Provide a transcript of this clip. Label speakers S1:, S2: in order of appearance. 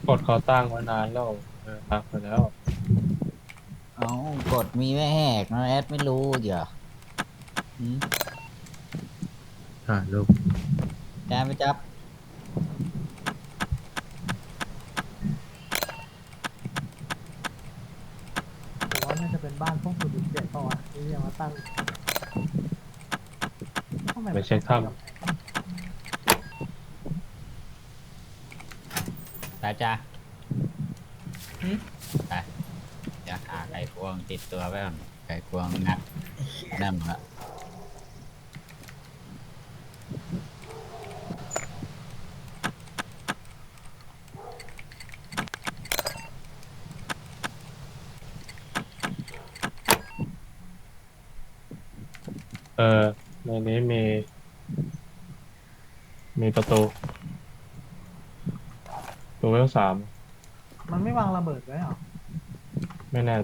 S1: กดเขาตั้งมานานแล้วทักไปแล้ว
S2: เอากดมีไม่แหกนะแอดไม่รู้เดี๋ยวอืม
S1: ถ่ายรูป
S2: แจมไปจับ
S3: ผมว่าน่าจะเป็นบ้านพวก007เปล่าวะที่ยังมาตั้งทำไม
S1: ไป
S3: มัน
S1: เช็คถ้
S3: ต้องเป็นกำแพง
S2: ตาจ้า
S3: หืม
S2: ไปจะหาไขควงติดตัวไว้ก่อนไขควงงัดนั่นละ
S1: ำในนี้มีประตูตัวเวลสาม
S3: มันไม่วางระเบิดไว้เหรอ
S1: ไม่แน่